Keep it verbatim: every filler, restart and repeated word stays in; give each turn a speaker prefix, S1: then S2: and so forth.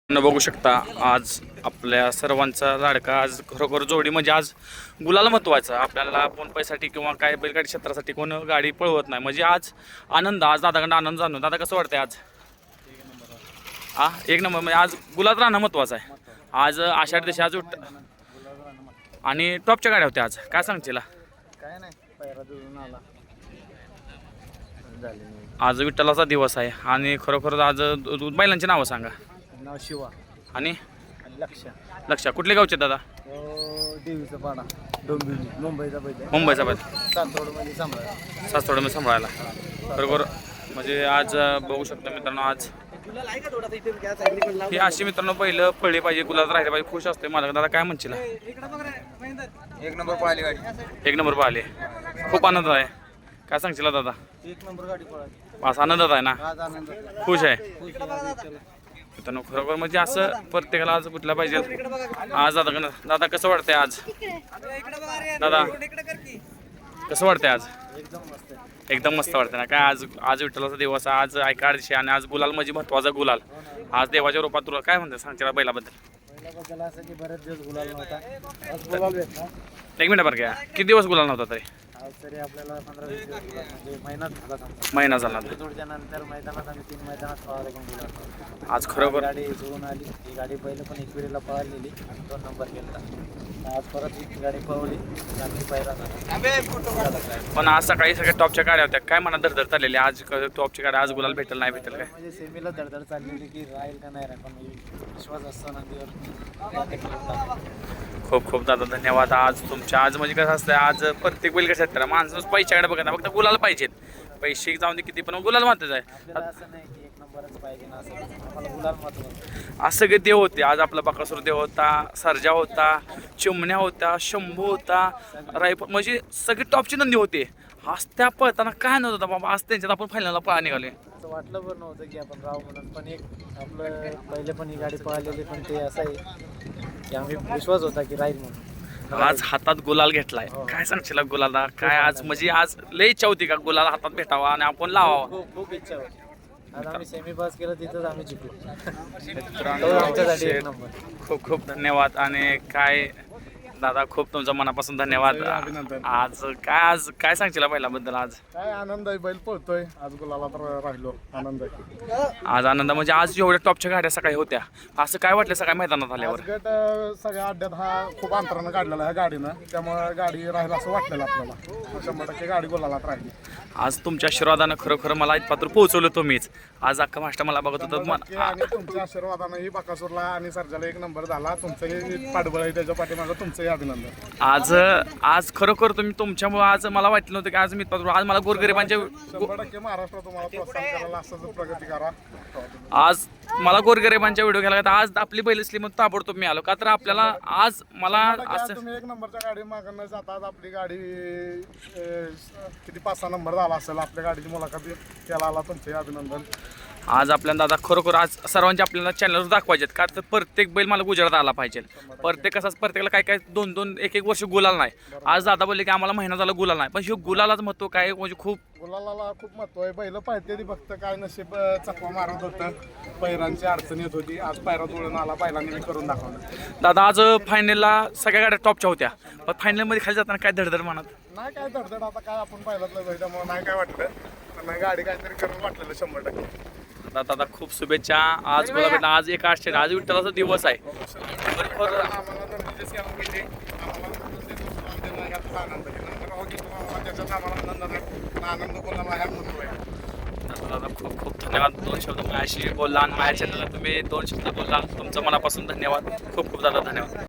S1: न बघू शकता आज आपल्या सर्वांचा लाडका आज खरोखर जोडी म्हणजे आज गुलाला महत्वाचं आपल्याला फोन पैसाठी किंवा काय बैलगाडी क्षेत्रासाठी कोण गाडी पळवत नाही म्हणजे आज आनंद आज दादाकडे आनंद जाणून दादा कसं वाटतंय आज हा एक नंबर म्हणजे आज गुलाल राहणं महत्वाचं आहे आज आषाढ दिवशी आज उठ आणि टॉपच्या गाड्या होत्या आज काय सांगशील
S2: काय नाही पैरा जुळून आला
S1: आज विठ्ठलाचा दिवस आहे आणि खरोखर आज बैलांची नावं सांगा
S2: नाव शिवा
S1: आणि
S2: लक्ष
S1: लक्ष कुठले गावचे दादा
S2: देवीचा पाडा डोंबिवली मुंबईचा बैल
S1: मुंबईचा बैल
S2: सातरोडमध्ये सांभाळा
S1: सासवड सांभाळायला बरोबर म्हणजे आज बघू शकतो मित्रांनो आज ही अशी मित्रांनो पहिलं पळली पाहिजे गुलाल राहिले पाहिजे खुश असते मला दादा काय म्हणशील
S2: एक नंबर पळाली गाडी
S1: एक नंबर पाहिले खूप आनंद आहे काय सांगशील दादा
S2: एक नंबर गाडी पळाली
S1: आज आनंदात आहे ना
S2: आज आनंद
S1: खुश आहे मित्रांनो खरोखर म्हणजे असं प्रत्येकाला आज कुठला पाहिजे आज दादा दादा कसं वाटतंय आज दादा कसं वाटतंय आज
S2: एकदम मस्त
S1: एकदम मस्त वाटतं ना काय आज आज विठ्ठलाचा दिवस आज ऐका दिवशी आणि आज गुलाल म्हणजे महत्वाचा गुलाल आज देवाच्या रूपात तुला काय म्हणते सांगते बैलाबद्दल
S2: बैलाबद्दल असं की बरेच दिवस गुलाल नव्हता आज गुलाल भेटला
S1: एक मिनिट बरं घ्या किती दिवस गुलाल नव्हता तरी
S2: आज तरी आपल्याला पंधरा वीस दिवस गुलाल म्हणजे महिनाच झाला समजा
S1: महिना झाला
S2: जोडच्या नंतर मैदानात आम्ही तीन मैदानात पळाले पण गुलाल
S1: आज खरोखर
S2: गाडी जुळून आली ही गाडी पहिलं पण एकविरीला पळालेली दोन नंबर केला आज परत ही गाडी पळवली आम्ही पहिला झाला
S1: पण आज सकाळी सगळ्या टॉपच्या गाड्या होत्या काय म्हणा धडधड चाललेली आज टॉपची गाड्या आज गुलाल भेटेल नाही भेटेल काय
S2: म्हणजे सेमीला धडधड चाललेली की राहील का नाही राहील पण विश्वास असतो नंदीवर
S1: खूप खूप दादा धन्यवाद आज तुमच्या आज म्हणजे कसं असतं आज प्रत्येक बैल कसं असतं माणसं पैशाकडे बघत नाही फक्त गुलाल पाहिजेत पैसे जाऊन दे किती पण गुलाल महत्वाचं आहे
S2: आपल्याला असं नाही की एक नंबरच पाहिजे ना असं आम्हाला गुलाल महत्त्वाचं
S1: आज सगळे देव होते आज आपला बकासूर देव होता सर्जा होता चिमण्या होता शंभू होता रायपूर म्हणजे सगळे टॉपची नंदी होते आज त्या पळताना काय नव्हतं बाबा आज त्यांच्यात आपण फायनलला पळा निघाले
S2: असं वाटलं पण नव्हतं की आपण राव म्हणून पण एक आपलं पहिले पण ही गाडी पळालेली पण ते असं आहे की आम्ही विश्वास होता की राहील म्हणून
S1: आज हातात गुलाल घेतलाय काय सांगशील गुलाला काय आज म्हणजे आज लय इच्छा होती का गुलाल हातात भेटावा आणि आपण लावावा
S2: खूप खूप इच्छा होती आज आम्ही सेमी पास केलं तिथंच आम्ही जिंकलो
S1: मित्रांनो,
S2: आमच्यासाठी एक नंबर
S1: खूप खूप धन्यवाद आणि काय दादा खूप तुमच्या मनापासून धन्यवाद आज काय आज काय सांगशील बैलाबद्दल आज
S3: काय आनंद आहे बैल पळतोय आज गुलाला तर राहिलो आनंद आहे
S1: आज आनंद म्हणजे आज एवढ्या टॉपच्या गाड्या सकाळी होत्या असं काय वाटलं सकाळी मैदानात आल्यावर
S3: गट अं, सगळ्या अड्ड्यात हा खूप अंतरानं काढलेला आहे गाडीनं त्यामुळे गाडी राहील असं वाटलेलं आपल्याला शंभर टक्के गाडी गुलालात राहिली
S1: आज तुमच्या आशीर्वादानं खरोखर मला इथपात्र पोहोचवलं तुम्हीच आज अख्खा मास्टर मला बघत होतं
S3: नक्की आणि तुमच्या आशीर्वादानं ही बकासूरला आणि सर्जाला एक नंबर झाला तुमचंही पाठबळ आहे त्याच्या पाठीमागं तुमचंही अभिनंदन
S1: आज आज खरोखर तुम्ही तुमच्यामुळे आज मला वाटलं नव्हतं की आज मी इथपात्र आज मला गोरगरिबांच्या
S3: शंभर टक्के महाराष्ट्र तुम्हाला प्रोत्साहन करायला असंच प्रगती करा
S1: आज मला गोरगरिबांच्या व्हिडिओ घ्यायला लागला. आज आपली बैल असली मग ताबडतोब मी आलो का तर आपल्याला आज मला
S3: आज
S1: असं
S3: तुम्ही एक नंबरच्या गाडी मागणं जाता आज आपली गाडी अं, किती पाच सहा नंबर झाला असेल आपल्या गाडीची मुलाखत त्याला आला तुमचंही अभिनंदन
S1: आज आपल्याला दादा खरोखर आज सर्वांच्या आपल्याला चॅनलवर दाखवायचे का तर प्रत्येक बैल मला गुजरात आला पाहिजे प्रत्येक असाच प्रत्येकाला काय काय दोन दोन एक एक वर्ष गुलाल नाही आज दादा बोलले की आम्हाला महिना झाला गुलाल नाही पण हे गुलालाच महत्व काय म्हणजे खूप
S3: गुलालाला खूप महत्व आहे बैल पाहिजे ती फक्त काय नशीब अं, चकवा मारत होतं पैरांची अडचण येत होती आज पैरा जुळून आला बैलांनी मी करून दाखवलं
S1: दादा आज फायनलला सगळ्या गाड्या टॉपच्या होत्या पण फायनलमध्ये खाली जाताना काय धडधड म्हणत
S3: नाही काय धडधड आता काय आपण पाहिलं जाईल त्यामुळे नाही काय वाटलं पण गाडी काहीतरी करून वाटलेलं शंभर टक्के
S1: दादा दादा खूप शुभेच्छा आज मला भेटला आज एक आठशे आज विठ्ठलाचा दिवस आहे खरोखर
S3: आम्हाला तर विशेष केलं म्हणजे आम्हाला याचा आनंद आहे त्याच्यात आम्हाला आनंद आहे आनंद कोणाला ह्या महत्व आहे
S1: दादा खूप खूप धन्यवाद दोन शब्द माझ्याशी बोलला आणि माझ्या चॅनलला तुम्ही दोन शब्द बोलला तुमचं मनापासून धन्यवाद खूप खूप दादा धन्यवाद